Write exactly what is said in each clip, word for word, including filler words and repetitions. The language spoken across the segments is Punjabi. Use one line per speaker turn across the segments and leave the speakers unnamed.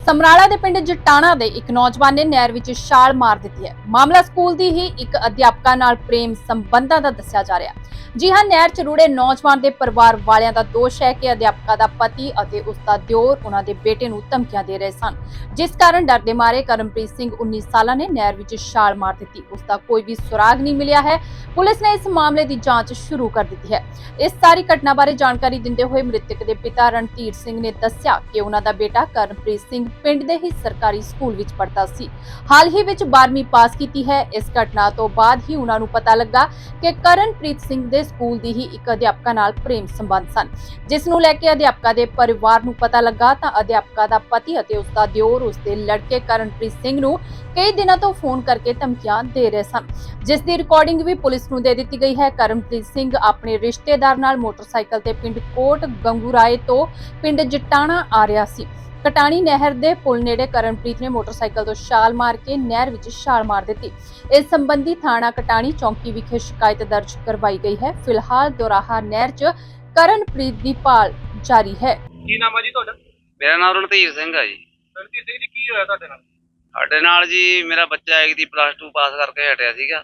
ਸਮਰਾਲਾ ਦੇ ਪਿੰਡ ਜਟਾਣਾ ਦੇ ਇੱਕ ਨੌਜਵਾਨ ਨੇ ਨਹਿਰ ਵਿੱਚ ਛਾਲ ਮਾਰ ਦਿੱਤੀ ਹੈ। ਮਾਮਲਾ ਸਕੂਲ ਦੀ ਹੀ ਇੱਕ ਅਧਿਆਪਕਾ ਨਾਲ ਪ੍ਰੇਮ ਸੰਬੰਧਾਂ ਦਾ ਦੱਸਿਆ ਜਾ ਰਿਹਾ ਹੈ। ਜੀ ਹਾਂ, ਨਹਿਰ ਚ ਰੁੜੇ ਨੌਜਵਾਨ ਦੇ ਪਰਿਵਾਰ ਵਾਲਿਆਂ ਦਾ ਦੋਸ਼ ਹੈ ਕਿ ਅਧਿਆਪਕਾ ਦਾ ਪਤੀ ਅਤੇ ਉਸ ਦਾ ਦਿਓਰ ਉਹਨਾਂ ਦੇ ਬੇਟੇ ਨੂੰ ਧਮਕੀਆਂ ਦੇ ਰਹੇ ਸਨ, ਜਿਸ ਕਾਰਨ ਡਰ ਦੇ ਮਾਰੇ ਕਰਮਪ੍ਰੀਤ ਸਿੰਘ ਉੱਨੀ ਸਾਲਾਂ ਨੇ ਨਹਿਰ ਵਿੱਚ ਛਾਲ ਮਾਰ ਦਿੱਤੀ। ਉਸ ਦਾ ਕੋਈ ਵੀ ਸੁਰਾਗ ਨਹੀਂ ਮਿਲਿਆ ਹੈ। ਪੁਲਿਸ ਨੇ ਇਸ ਮਾਮਲੇ ਦੀ ਜਾਂਚ ਸ਼ੁਰੂ ਕਰ ਦਿੱਤੀ ਹੈ। ਇਸ ਸਾਰੀ ਘਟਨਾ ਬਾਰੇ ਜਾਣਕਾਰੀ ਦਿੰਦੇ ਹੋਏ ਮ੍ਰਿਤਕ ਦੇ ਪਿਤਾ ਰਣਧੀਰ ਸਿੰਘ ਨੇ ਦੱਸਿਆ ਕਿ ਉਹਨਾਂ ਦਾ ਬੇਟਾ ਕਰਮਪ੍ਰੀਤ ਸਿੰਘ ਪਿੰਡ ਦੇ ਹੀ ਸਰਕਾਰੀ ਸਕੂਲ ਵਿੱਚ ਪੜ੍ਹਦਾ ਸੀ। ਹਾਲ ਹੀ ਵਿੱਚ ਬਾਰ੍ਹਵੀਂ ਪਾਸ ਕੀਤੀ ਹੈ। ਇਸ ਘਟਨਾ ਤੋਂ ਬਾਅਦ ਹੀ ਉਹਨਾਂ ਨੂੰ ਪਤਾ ਲੱਗਾ ਕਿ ਕਰਨਪ੍ਰੀਤ ਸਿੰਘ ਦੇ ਸਕੂਲ ਦੀ ਹੀ ਇੱਕ ਅਧਿਆਪਕਾ ਨਾਲ ਪ੍ਰੇਮ ਸੰਬੰਧ ਸਨ, ਜਿਸ ਨੂੰ ਲੈ ਕੇ ਅਧਿਆਪਕਾ ਦੇ ਪਰਿਵਾਰ ਨੂੰ ਪਤਾ ਲੱਗਾ ਤਾਂ ਅਧਿਆਪਕਾ ਦਾ ਪਤੀ ਅਤੇ ਉਸ ਦਾ ਦਿਓਰ ਉਸ ਦੇ ਲੜਕੇ ਕਰਨਪ੍ਰੀਤ ਸਿੰਘ ਨੂੰ ਕਈ ਦਿਨਾਂ ਤੋਂ ਫੋਨ ਕਰਕੇ ਧਮਕੀਆਂ ਦੇ ਰਹੇ ਸਨ, ਜਿਸ ਦੀ ਰਿਕਾਰਡਿੰਗ ਵੀ ਪੁਲਿਸ ਨੂੰ ਦੇ ਦਿੱਤੀ ਗਈ ਹੈ। ਕਰਨਪ੍ਰੀਤ ਸਿੰਘ ਆਪਣੇ ਰਿਸ਼ਤੇਦਾਰ ਨਾਲ ਮੋਟਰਸਾਈਕਲ ਤੇ ਪਿੰਡ ਕੋਟ ਗੰਗੂਰਾਏ ਤੋਂ ਪਿੰਡ ਜਟਾਣਾ ਆ ਰਿਹਾ ਸੀ। ਕਟਾਣੀ ਨਹਿਰ ਦੇ ਪੁਲ ਨੇੜੇ ਕਰਨਪ੍ਰੀਤ ਨੇ ਮੋਟਰਸਾਈਕਲ ਤੋਂ ਛਾਲ ਮਾਰ ਕੇ ਨਹਿਰ ਵਿੱਚ ਛਾਲ ਮਾਰ ਦਿੱਤੀ। ਇਸ ਸੰਬੰਧੀ ਥਾਣਾ ਕਟਾਣੀ ਚੌਂਕੀ ਵਿਖੇ ਸ਼ਿਕਾਇਤ ਦਰਜ ਕਰਵਾਈ ਗਈ ਹੈ। ਫਿਲਹਾਲ ਦੋਰਾਹਾ ਨਹਿਰ 'ਚ ਕਰਨਪ੍ਰੀਤ ਦੀ ਭਾਲ ਜਾਰੀ ਹੈ।
ਕੀ ਨਾਮ ਹੈ ਜੀ ਤੁਹਾਡਾ?
ਮੇਰਾ ਨਾਮ ਰਣਧੀਰ ਸਿੰਘ ਆ ਜੀ।
ਰਣਜੀਤ ਸਿੰਘ ਜੀ, ਕੀ ਹੋਇਆ ਤੁਹਾਡੇ ਨਾਲ?
ਸਾਡੇ ਨਾਲ ਜੀ ਮੇਰਾ ਬੱਚਾ ਇੱਕ ਦੀ ਪਲੱਸ ਟੂ ਪਾਸ ਕਰਕੇ ਹਟਿਆ ਸੀਗਾ।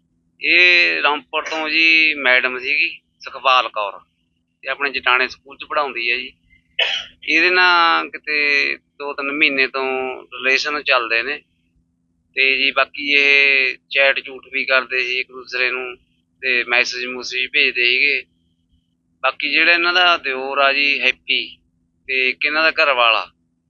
ਇਹ ਰਾਮਪੁਰ ਤੋਂ ਜੀ ਮੈਡਮ ਸੀਗੀ ਸੁਖਪਾਲ ਕੌਰ, ਇਹ ਆਪਣੇ ਜਟਾਣੇ ਸਕੂਲ 'ਚ ਪੜ੍ਹਾਉਂਦੀ ਹੈ ਜੀ। ਇਹਦੇ ਨਾਲ ਕਿਤੇ ਦੋ ਤਿੰਨ ਮਹੀਨੇ ਤੋਂ ਰਿਲੇਸ਼ਨ ਚੱਲਦੇ ਨੇ ਤੇ ਜੀ ਬਾਕੀ ਇਹ ਚੈਟ ਝੂਠ ਵੀ ਕਰਦੇ ਸੀ ਇੱਕ ਦੂਸਰੇ ਨੂੰ ਤੇ ਮੈਸੇਜ ਮੂਸੇਜ ਭੇਜਦੇ ਸੀਗੇ। ਬਾਕੀ ਜਿਹੜਾ ਇਹਨਾਂ ਦਾ ਦਿਓਰ ਆ ਜੀ ਹੈਪੀ ਤੇ ਇੱਕ ਇਹਨਾਂ ਦਾ ਘਰ ਵਾਲਾ,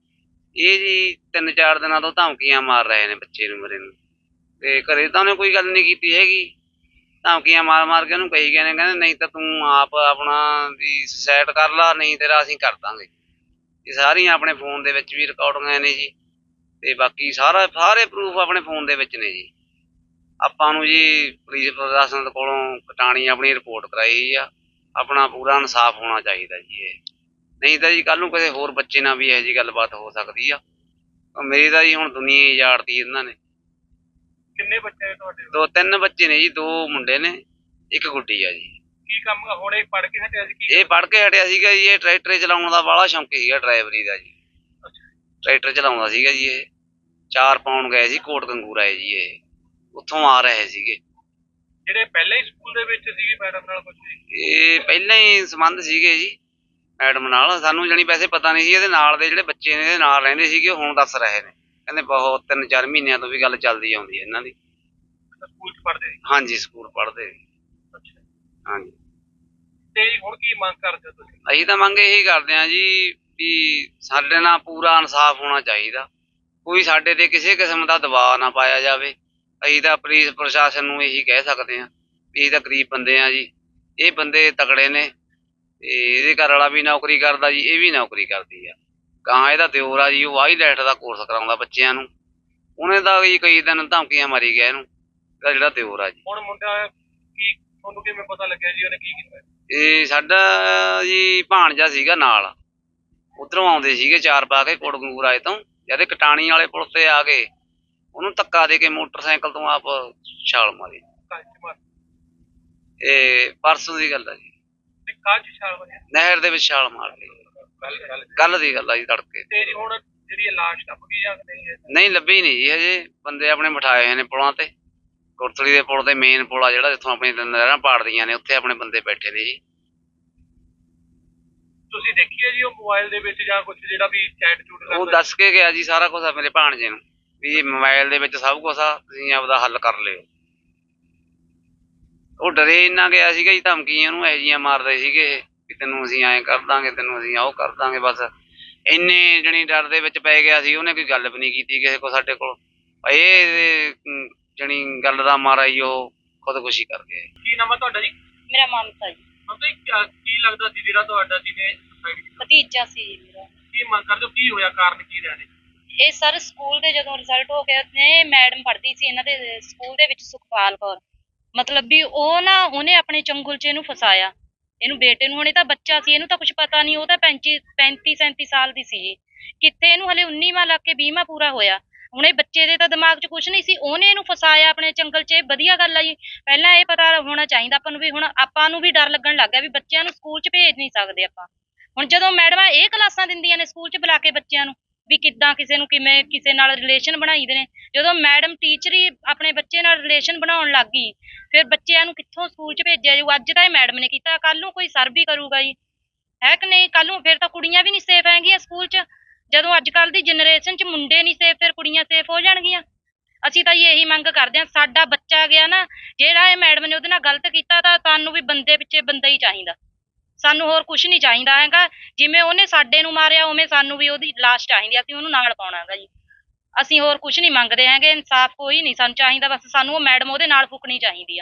ਇਹ ਜੀ ਤਿੰਨ ਚਾਰ ਦਿਨਾਂ ਤੋਂ ਧਮਕੀਆਂ ਮਾਰ ਰਹੇ ਨੇ ਬੱਚੇ ਨੂੰ ਮੇਰੇ ਨੂੰ, ਤੇ ਘਰੇ ਤਾਂ ਉਹਨੇ ਕੋਈ ਗੱਲ ਨਹੀਂ ਕੀਤੀ ਹੈਗੀ। ਧਮਕੀਆਂ ਮਾਰ ਮਾਰ ਕੇ ਉਹਨੂੰ ਕਹੀ ਗਏ ਨੇ, ਕਹਿੰਦੇ ਨਹੀਂ ਤਾਂ ਤੂੰ ਆਪ ਆਪਣਾ ਵੀ ਸੁਸਾਈਡ ਕਰ ਲਾ, ਨਹੀਂ ਤੇਰਾ ਅਸੀਂ ਕਰ ਦਾਂਗੇ। ਇਹ ਸਾਰੀਆਂ ਆਪਣੇ ਫੋਨ ਦੇ ਵਿੱਚ ਵੀ ਰਿਕਾਰਡਿੰਗਾਂ ਨੇ ਜੀ, ਤੇ ਬਾਕੀ ਸਾਰਾ ਸਾਰੇ ਪ੍ਰੂਫ ਆਪਣੇ ਫੋਨ ਦੇ ਵਿੱਚ ਨੇ ਜੀ। ਆਪਾਂ ਨੂੰ ਜੀ ਪੁਲਿਸ ਪ੍ਰਸ਼ਾਸਨ ਕੋਲੋਂ ਕਟਾਣੀ ਆਪਣੀ ਰਿਪੋਰਟ ਕਰਾਈ ਆ। ਆਪਣਾ ਪੂਰਾ ਇਨਸਾਫ ਹੋਣਾ ਚਾਹੀਦਾ ਜੀ। ਇਹ ਨਹੀਂ ਤਾਂ ਜੀ ਕੱਲ ਨੂੰ ਕਿਸੇ ਹੋਰ ਬੱਚੇ ਨਾਲ ਵੀ ਇਹੋ ਜਿਹੀ ਗੱਲਬਾਤ ਹੋ ਸਕਦੀ ਆ। ਮੇਰੀ ਤਾਂ ਜੀ ਹੁਣ ਦੁਨੀਆ ਹੀ ਉਜਾੜਤੀ ਇਹਨਾਂ ਨੇ।
ਕਿੰਨੇ ਬੱਚੇ ਨੇ ਤੁਹਾਡੇ?
ਦੋ ਤਿੰਨ ਬੱਚੇ ਨੇ ਜੀ, ਦੋ ਮੁੰਡੇ ਨੇ ਇੱਕ ਗੁੱਡੀ ਆ ਜੀ।
ਕੀ ਕੰਮ ਹੁਣੇ ਪੜ੍ਹ ਕੇ ਹਟਿਆ ਸੀ? ਕੀ
ਇਹ ਪੜ੍ਹ ਕੇ ਹਟਿਆ ਸੀਗਾ ਜੀ। ਇਹ ਟਰੈਕਟਰ ਚਲਾਉਣ ਦਾ ਬਾਹਲਾ ਸ਼ੌਂਕ ਸੀਗਾ, ਡਰਾਈਵਰੀ ਦਾ ਜੀ। ਟਰੈਕਟਰ ਚਲਾਉਂਦਾ ਸੀਗਾ ਜੀ। ਇਹ ਚਾਰ ਪਾਉਣ ਗਏ ਸੀ ਕੋਟ ਗੰਗੂਰਾਏ ਜੀ। ਇਹ ਉੱਥੋਂ ਆ ਰਹੇ ਸੀਗੇ।
ਜਿਹੜੇ ਪਹਿਲਾਂ ਹੀ ਸਕੂਲ ਦੇ ਵਿੱਚ ਸੀਗੇ ਮੈਡਮ ਨਾਲ ਕੁਝ?
ਇਹ ਪਹਿਲਾਂ ਹੀ ਸੰਬੰਧ ਸੀਗੇ ਜੀ ਮੈਡਮ ਨਾਲ। ਸਾਨੂੰ ਜਾਣੀ ਵੈਸੇ ਪਤਾ ਨਹੀਂ ਸੀ। ਇਹਦੇ ਨਾਲ ਦੇ ਜਿਹੜੇ ਬੱਚੇ ਨੇ ਇਹਦੇ ਨਾਲ ਰਹਿੰਦੇ ਸੀਗੇ, ਹੁਣ ਦੱਸ ਰਹੇ ਨੇ, ਕਹਿੰਦੇ ਬਹੁਤ ਤਿੰਨ ਚਾਰ ਮਹੀਨਿਆਂ ਤੋਂ ਵੀ ਗੱਲ ਚੱਲਦੀ ਆਉਂਦੀ ਹੈ ਇਹਨਾਂ ਦੀ।
ਸਕੂਲ 'ਚ ਪੜ੍ਹਦੇ ਸੀ?
ਹਾਂਜੀ, ਸਕੂਲ ਪੜ੍ਹਦੇ ਸੀ।
ਅੱਛਾ,
ਹਾਂਜੀ।
ਤੇ ਹੁਣ ਕੀ ਮੰਗ ਕਰਦੇ ਹੋ ਤੁਸੀਂ?
ਅਸੀਂ ਤਾਂ ਮੰਗ ਇਹੀ ਕਰਦੇ ਹਾਂ ਜੀ ਵੀ ਸਾਡੇ ਨਾਲ ਪੂਰਾ ਇਨਸਾਫ ਹੋਣਾ ਚਾਹੀਦਾ। ਕੋਈ ਸਾਡੇ ਤੇ ਕਿਸੇ ਕਿਸਮ ਦਾ ਦਬਾਅ ਨਾ ਪਾਇਆ ਜਾਵੇ। ਅਸੀਂ ਤਾਂ ਪੁਲਿਸ ਪ੍ਰਸ਼ਾਸਨ ਨੂੰ ਇਹੀ ਕਹਿ ਸਕਦੇ ਹਾਂ ਵੀ ਅਸੀਂ ਤਾਂ ਗਰੀਬ ਬੰਦੇ ਹਾਂ ਜੀ। ਇਹ ਬੰਦੇ ਤਕੜੇ ਨੇ ਤੇ ਇਹਦੇ ਘਰ ਵਾਲਾ ਵੀ ਨੌਕਰੀ ਕਰਦਾ ਜੀ, ਇਹ ਵੀ ਨੌਕਰੀ ਕਰਦੀ ਆ। ਗਾਂ ਇਹਦਾ ਦਿਓਰ ਆ ਜੀ, ਉਹ ਆਈਲੈਟ ਦਾ ਕੋਰਸ ਕਰਾਉਂਦਾ ਬੱਚਿਆਂ ਨੂੰ। ਉਹਨੇ ਤਾਂ ਜੀ ਕਈ ਦਿਨ ਧਮਕੀਆਂ ਮਾਰੀ ਗਿਆ ਇਹਨੂੰ, ਇਹਦਾ ਜਿਹੜਾ ਦਿਓਰ ਆ ਜੀ।
ਹੁਣ ਮੁੰਡਾ ਕੀ, ਤੁਹਾਨੂੰ ਕਿਵੇਂ ਪਤਾ ਲੱਗਿਆ ਜੀ ਉਹਨੇ ਕੀ ਕੀਤਾ?
ਇਹ ਸਾਡਾ ਜੀ ਭਾਣਜਾ ਸੀਗਾ ਨਾਲ, ਉਧਰੋਂ ਆਉਂਦੇ ਸੀਗੇ ਚਾਰ ਪਾ ਕੇ ਕੋਟ ਗੰਗੂਰਾਏ ਤੋਂ। ਜਦ ਕਟਾਣੀ ਵਾਲੇ ਪੁਲ ਤੇ ਆ ਗਏ, ਉਹਨੂੰ ਧੱਕਾ ਦੇ ਕੇ ਮੋਟਰਸਾਈਕਲ ਤੋਂ ਆਪ ਛਾਲ ਮਾਰੀ। ਇਹ ਪਰਸੋਂ ਦੀ ਗੱਲ ਆ ਜੀ। ਨਹਿਰ ਦੇ ਵਿੱਚ ਛਾਲ ਮਾਰ ਲਈ। ਕੱਲ ਦੀ ਗੱਲ ਆ ਜੀ, ਤੜਕੇ।
ਤੇ ਜੀ ਹੁਣ ਜਿਹੜੀ ਲਾਸ਼ ਲੱਭ ਗਈ ਜਾਂ ਨਹੀਂ?
ਨਹੀਂ ਲੱਭੀ ਨਹੀਂ ਜੀ ਹਜੇ। ਬੰਦੇ ਆਪਣੇ ਬਿਠਾਏ ਹੋਏ ਨੇ ਪੁਲਾਂ ਤੇ। ਕੋਟਲੀ ਦੇ ਪੁਲ ਤੇ ਮੇਨ ਪੁਲ ਆ ਜਿਹੜਾ, ਜਿੱਥੋਂ ਆਪਣੀ ਨਹਿਰਾਂ ਪਾੜਦੀਆਂ ਨੇ, ਉੱਥੇ ਆਪਣੇ ਬੰਦੇ ਬੈਠੇ ਨੇ ਜੀ।
ਤੁਸੀਂ ਦੇਖੀ ਹੈ ਜੀ ਉਹ ਮੋਬਾਈਲ ਦੇ ਵਿੱਚ ਜਾਂ ਕੁਝ ਜਿਹੜਾ ਵੀ ਚੈਟ ਚੂਟ?
ਉਹ ਦੱਸ ਕੇ ਗਿਆ ਜੀ ਸਾਰਾ ਕੁਛ ਆ ਮੇਰੇ ਭਾਣਜੇ ਨੂੰ ਵੀ ਮੋਬਾਈਲ ਦੇ ਵਿੱਚ ਸਭ ਕੁਛ ਆ, ਤੁਸੀਂ ਆਪਦਾ ਹੱਲ ਕਰ ਲਿਓ। ਉਹ ਡਰੇ ਇੰਨਾ ਗਿਆ ਸੀਗਾ ਜੀ, ਧਮਕੀਆਂ ਉਹਨੂੰ ਇਹੋ ਜਿਹੀਆਂ ਮਾਰਦੇ ਸੀਗੇ ਵੀ ਤੈਨੂੰ ਅਸੀਂ ਐਂ ਕਰ ਦਾਂਗੇ, ਤੈਨੂੰ ਅਸੀਂ ਉਹ ਕਰ ਦਾਂਗੇ। ਬਸ ਇੰਨੇ ਜਣੀ ਡਰ ਦੇ ਵਿੱਚ ਪੈ ਗਿਆ ਸੀ। ਉਹਨੇ ਕੋਈ ਗੱਲ ਵੀ ਨਹੀਂ ਕੀਤੀ ਕਿਸੇ ਕੋਲ ਸਾਡੇ ਕੋਲ। ਇਹ ਜਣੀ ਗੱਲ ਦਾ ਮਾਰਾ ਹੀ ਉਹ ਖੁਦਕੁਸ਼ੀ ਕਰ ਗਏ।
ਕੀ ਨਾਮ ਹੈ ਤੁਹਾਡਾ ਜੀ?
ਮੇਰਾ ਮਮਤਾ ਜੀ।
ਮਮਤਾ ਜੀ, ਕੀ ਲੱਗਦਾ ਸੀ ਜਿਹੜਾ ਤੁਹਾਡਾ ਜਿਹਨੇ ਸੁਸਾਈਡ ਕੀਤਾ?
ਭਤੀਜਾ ਸੀ ਜੀ ਮੇਰਾ।
ਕੀ ਮੰਗ ਕਰਦੇ ਹੋ? ਕੀ ਹੋਇਆ, ਕਾਰਨ ਕੀ ਰਿਹਾ ਨੇ?
ਇਹ ਸਰ ਸਕੂਲ ਦੇ ਜਦੋਂ ਰਿਜ਼ਲਟ ਹੋ ਗਿਆ ਨੇ, ਮੈਡਮ ਪੜ੍ਹਦੀ ਸੀ ਇਹਨਾਂ ਦੇ ਸਕੂਲ ਦੇ ਵਿੱਚ ਸੁਖਪਾਲ ਕੌਰ, ਮਤਲਬ ਵੀ ਉਹ ਨਾ ਉਹਨੇ ਆਪਣੇ ਚੰਗੁਲ 'ਚ ਇਹਨੂੰ ਫਸਾਇਆ, ਇਹਨੂੰ ਬੇਟੇ ਨੂੰ। ਹੁਣੇ ਤਾਂ ਬੱਚਾ ਸੀ, ਇਹਨੂੰ ਤਾਂ ਕੁਛ ਪਤਾ ਨਹੀਂ। ਉਹ ਤਾਂ ਪੈਂਤੀ ਪੈਂਤੀ ਸੈਂਤੀ ਸਾਲ ਦੀ ਸੀ। ਕਿੱਥੇ ਇਹਨੂੰ ਹਲੇ ਉੱਨੀਵਾਂ ਲੱਗ ਕੇ ਵੀਹਵਾਂ ਪੂਰਾ ਹੋਇਆ। ਹੁਣ ਇਹ ਬੱਚੇ ਦੇ ਤਾਂ ਦਿਮਾਗ 'ਚ ਕੁਛ ਨਹੀਂ ਸੀ, ਉਹਨੇ ਇਹਨੂੰ ਫਸਾਇਆ ਆਪਣੇ ਚੰਗਲ 'ਚ। ਵਧੀਆ ਗੱਲ ਆ ਜੀ। ਪਹਿਲਾਂ ਇਹ ਪਤਾ ਹੋਣਾ ਚਾਹੀਦਾ ਆਪਾਂ ਨੂੰ ਵੀ। ਹੁਣ ਆਪਾਂ ਨੂੰ ਵੀ ਡਰ ਲੱਗਣ ਲੱਗ ਗਿਆ ਵੀ ਬੱਚਿਆਂ ਨੂੰ ਸਕੂਲ 'ਚ ਭੇਜ ਨਹੀਂ ਸਕਦੇ ਆਪਾਂ। ਹੁਣ ਜਦੋਂ ਮੈਡਮਾਂ ਇਹ ਕਲਾਸਾਂ ਦਿੰਦੀਆਂ ਨੇ ਸਕੂਲ 'ਚ ਬੁਲਾ ਕੇ ਬੱਚਿਆਂ ਨੂੰ, ਵੀ ਕਿੱਦਾਂ ਕਿਸੇ ਨੂੰ ਕਿਵੇਂ ਕਿਸੇ ਨਾਲ ਰਿਲੇਸ਼ਨ ਬਣਾਈਦੇ ਨੇ। ਜਦੋਂ ਮੈਡਮ ਟੀਚਰ ਹੀ ਆਪਣੇ ਬੱਚੇ ਨਾਲ ਰਿਲੇਸ਼ਨ ਬਣਾਉਣ ਲੱਗ ਗਈ, ਫਿਰ ਬੱਚਿਆਂ ਨੂੰ ਕਿੱਥੋਂ ਸਕੂਲ 'ਚ ਭੇਜਿਆ ਜਾਊ। ਅੱਜ ਤਾਂ ਇਹ ਮੈਡਮ ਨੇ ਕੀਤਾ, ਕੱਲ ਨੂੰ ਕੋਈ ਸਰ ਵੀ ਕਰੂਗਾ ਜੀ, ਹੈ ਕਿ ਨਹੀਂ। ਕੱਲ ਨੂੰ ਫਿਰ ਤਾਂ ਕੁੜੀਆਂ ਵੀ ਨਹੀਂ ਸੇਫ ਹੈਗੀਆਂ ਸਕੂਲ 'ਚ। ਜਦੋਂ ਅੱਜ ਕੱਲ੍ਹ ਦੀ ਜਨਰੇਸ਼ਨ 'ਚ ਮੁੰਡੇ ਨਹੀਂ ਸੇਫ, ਫਿਰ ਕੁੜੀਆਂ ਸੇਫ ਹੋ ਜਾਣਗੀਆਂ। ਅਸੀਂ ਤਾਂ ਜੀ ਇਹੀ ਮੰਗ ਕਰਦੇ ਹਾਂ, ਸਾਡਾ ਬੱਚਾ ਗਿਆ ਨਾ, ਜਿਹੜਾ ਇਹ ਮੈਡਮ ਨੇ ਉਹਦੇ ਨਾਲ ਗਲਤ ਕੀਤਾ, ਤਾਂ ਸਾਨੂੰ ਵੀ ਬੰਦੇ ਪਿੱਛੇ ਬੰਦਾ ਹੀ ਚਾਹੀਦਾ, ਸਾਨੂੰ ਹੋਰ ਕੁਝ ਨਹੀਂ ਚਾਹੀਦਾ ਹੈਗਾ। ਜਿਵੇਂ ਉਹਨੇ ਸਾਡੇ ਨੂੰ ਮਾਰਿਆ, ਉਵੇਂ ਸਾਨੂੰ ਵੀ ਉਹਦੀ ਲਾਸ਼ ਚਾਹੀਦੀ, ਅਸੀਂ ਉਹਨੂੰ ਨਾਲ ਪਾਉਣਾ ਹੈਗਾ ਜੀ। ਅਸੀਂ ਹੋਰ ਕੁਝ ਨਹੀਂ ਮੰਗਦੇ ਹੈਗੇ, ਇਨਸਾਫ ਕੋਈ ਨਹੀਂ ਸਾਨੂੰ ਚਾਹੀਦਾ, ਬਸ ਸਾਨੂੰ ਉਹ ਮੈਡਮ ਉਹਦੇ ਨਾਲ ਫੁਕਣੀ ਚਾਹੀਦੀ ਆ।